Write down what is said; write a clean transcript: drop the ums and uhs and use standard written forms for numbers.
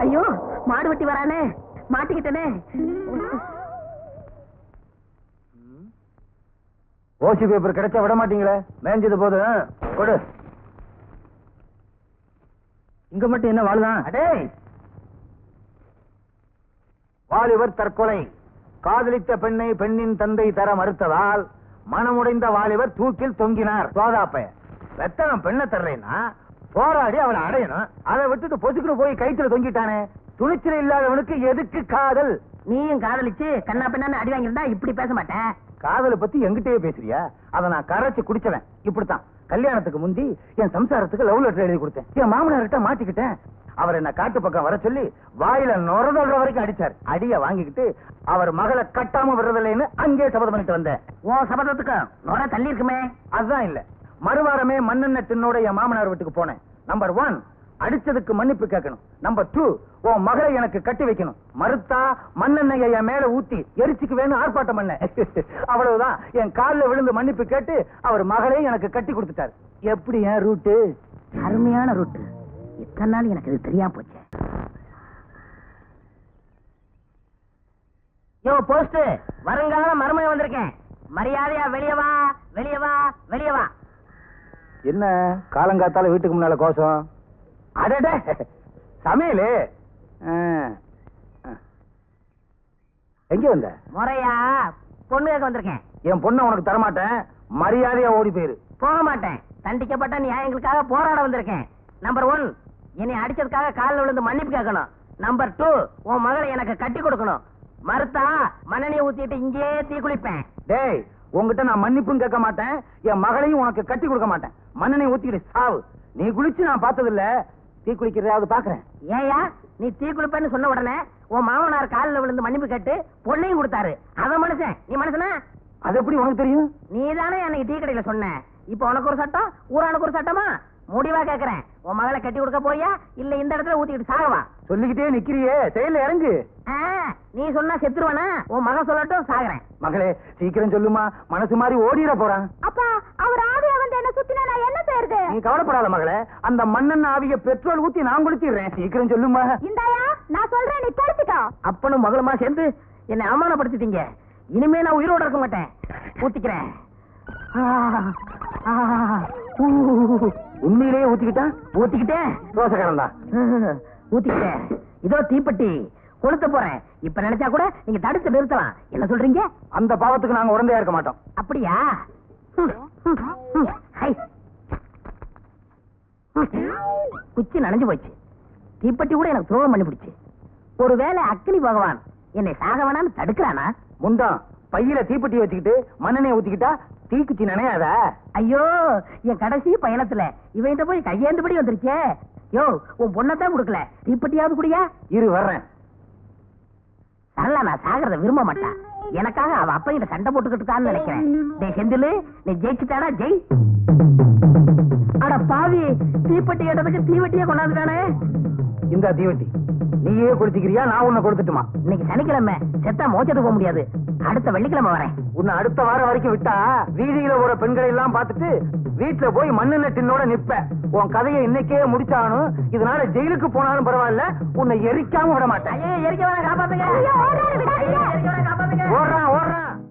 ஐயோ மாடு வெட்டி வரானே, மாட்டிக்கிட்டனே. ஓசி பேப்பர் கிடைச்சா விட மாட்டீங்களே, மேஞ்சது போது கொடு. இங்க மட்டும் என்ன வாழுதான்? அடே, வாலிபர் தற்கொலை. காதலித்த பெண்ணை பெண்ணின் தந்தை தர மறுத்ததால் மனமுடைந்த வாலிபர் தூக்கில் தொங்கினார். சோதாப்பைய வெத்தனம் பெண்ணை தர்றேன்னா போராடி அவளை அடையணும். அதை விட்டுட்டு பொசுக்குன்னு போய் கைத்துல தொங்கிட்டானே. துணிச்சல் இல்லாதவனுக்கு எதுக்கு காதல்? நீயும் காதலிச்சு கண்ணா பெண்ணான்னு அடி வாங்கியிருந்தா இப்படி பேச மாட்டேன். காதலை பத்தி எங்கிட்டயே பேசுறியா? அதை நான் கரைச்சு குடிச்சவன். இப்படித்தான் கல்யாணத்துக்கு முந்தி என் சம்சாரத்துக்கு லவ் லெட்டர் எழுதி கொடுத்தேன். என் மாமனார்கிட்ட மாட்டிக்கிட்டேன். அவர் என்ன காட்டு பக்கம் வர சொல்லி வாயில நுரதொல்ற வரைக்கும் அடிச்சார். அடிய வாங்கிக்கிட்டு அவர் மகளை கட்டாம விடுறதில்லைன்னு அங்கே சபதம் பண்ணிட்டு வந்தேன். ஓ சபதத்துக்கு நுர தள்ளி இருக்குமே. அதுதான் இல்ல, மறுவாரமே மண்ணெண்ண தின்னோட என் மாமனார் வீட்டுக்கு போனேன். நம்பர் 1, அடிச்சதுக்கு மன்னிப்பு கேட்கணும். நம்பர் 2, உன் மகளை எனக்கு கட்டி வைக்கணும். மறுத்தா மண்ணெண்ணெயை என் மேல ஊத்தி எரிச்சுக்கு வேணும் ஆர்ப்பாட்டம் பண்ண. அவ்வளவுதான். என் காலில் விழுந்து மன்னிப்பு கேட்டு அவர் மகளையும் எனக்கு கட்டி கொடுத்துட்டாரு. எப்படி என் ரூட்டு? அருமையான ரூட்டு. இத்தனை நாள் எனக்கு இது தெரியாம போச்சு. யோ போஸ்ட், வருங்கால மருமையை வந்திருக்கேன். மரியாதையா வெளியே வா, வெளியே வா, வெளியே வா. என்ன காலங்காத்தால வீட்டுக்கு முன்னால கோஷம்? அடட சமையலு. எங்க வந்த? முறையா பொண்ணு கேட்க வந்திருக்கேன். என் பொண்ணை உனக்கு தரமாட்டேன். மரியாதையா ஓடி போயிரு. போக மாட்டேன். தண்டிக்கப்பட்ட நியாயங்களுக்காக போராட வந்திருக்கேன். நம்பர் 1, என்னை அடிச்சதுக்காக காலில் விழுந்து மன்னிப்பு கேட்கணும். நம்பர் 2, உன் மகளை எனக்கு கட்டி கொடுக்கணும். மறுத்தா மண்ணெண்ணெயை ஊத்திட்டு இங்கே தீ குளிப்பேன். டேய், உங்ககிட்ட நான் மன்னிப்பும் கேட்க மாட்டேன். என் மகளையும் உனக்கு கட்டி கொடுக்க மாட்டேன். மண்ணெண்ணெயை ஊத்திக்கிட்டு சாவு. நீ குளிச்சு நான் பார்த்தது இல்ல, தீ குளிக்கிறதாவது பாக்குறேன். ஏயா நீ தீ குளிப்பேன்னு சொன்ன உடனே உன் மாமனார் காலில் விழுந்து மன்னிப்பு கேட்டு பொண்ணையும் கொடுத்தாரு. அவன் மனுஷன், நீ மனுஷனா? அது எப்படி உனக்கு தெரியும்? நீ தானே அன்னைக்கு டீ கடையில சொன்ன. இப்ப உனக்கு ஒரு சட்டம், ஊரானுக்கு ஒரு சட்டமா? முடிவா கேக்குறேன், உன் மகளை கட்டி கொடுக்க போயா இல்ல இந்த இடத்துல ஊத்திக்கிட்டு சாகவா? சொல்லிக்கிட்டே நிக்கிறியே, செயல இறங்கு. நீ சொன்னா செத்துருவானா? உன் மகன் சொல்லட்டும், சாகுறேன். மகளே சீக்கிரம் சொல்லுமா, மனசு மாதிரி ஓடிட போறான். அப்பா, அவர் ஆவியா வந்து என்ன சுத்தினா நான் என்ன செய்யறது? நீ கவலைப்படாத மகளே, அந்த மண்ணெண்ண ஆவிய பெட்ரோல் ஊத்தி நான் குளிச்சிடுறேன். சீக்கிரம் சொல்லுமா. இந்தாயா நான் சொல்றேன், நீ படுத்துக்கோ. அப்பனும் மகளுமா சேர்ந்து என்னை அவமானப்படுத்திட்டீங்க. இனிமே நான் உயிரோட இருக்க மாட்டேன். ஊத்திக்கிறேன். உண்மையிலேயே ஊத்திக்கிட்டா? ஊத்திக்கிட்டேன். ரோசக்காரன் தான். ஊத்திக்கிட்டேன். இதோ தீப்பெட்டி கொளுத்த போறேன். இப்ப நினைச்சா கூட நீங்க தடுத்து நிறுத்தலாம். என்ன சொல்றீங்க? அந்த பாவத்துக்கு நாங்க உடந்தையா இருக்க மாட்டோம். அப்படியா? குச்சி நனைஞ்சு போச்சு. தீப்பெட்டி கூட எனக்கு துரோகம் பண்ணி பிடிச்சு. ஒருவேளை அக்னி பகவான் என்னை சாக வேணான்னு தடுக்கிறானா? முண்டம் பையில தீப்பெட்டி வச்சுக்கிட்டு மண்ணெண்ணெய் ஊத்திக்கிட்டா தீக்குச்சி நினையாதா? ஐயோ, என் கடைசி பயணத்துல இவன் போய் கையேந்தபடி வந்துருச்சே. யோ, உன் பொண்ணத்தான் கொடுக்கல, தீப்பெட்டியாவது குடியா? இரு வர்றேன். சரளா நான் சாகிறத விரும்ப மாட்டான். எனக்காக அவ அப்ப கிட்ட சண்டை போட்டுக்கிட்டு இருக்கான்னு நினைக்கிறேன். டேய் செந்திலு, நீ ஜெயிச்சுட்டாடா, ஜெய். அட பாவி, தீப்பெட்டி கேட்டதுக்கு தீவெட்டியே கொண்டாந்துட்டானே. இந்த தீவெட்டி நீயே கொடுத்துக்கிறியா, நான் உன்னை கொடுத்துட்டுமா? இன்னைக்கு சனிக்கிழமை, செத்தா மோச்சத்துக்கு போக முடியாது. அடுத்த வெள்ளிக்கிழமை வரேன். உன்னை அடுத்த வாரம் வரைக்கும் விட்டா வீதியில ஒரு பெண்களை எல்லாம் பார்த்துட்டு வீட்டுல போய் மண்ணெண்ண டின்னோட நிப்ப. உன் கதையை இன்னைக்கே முடிச்சானும். இதனால ஜெயிலுக்கு போனாலும் பரவாயில்ல, உன்னை எரிக்காம விட மாட்டேன். எரிக்க வேணா, காப்பாத்துங்க. ஓடுறான் ஓடுறான்.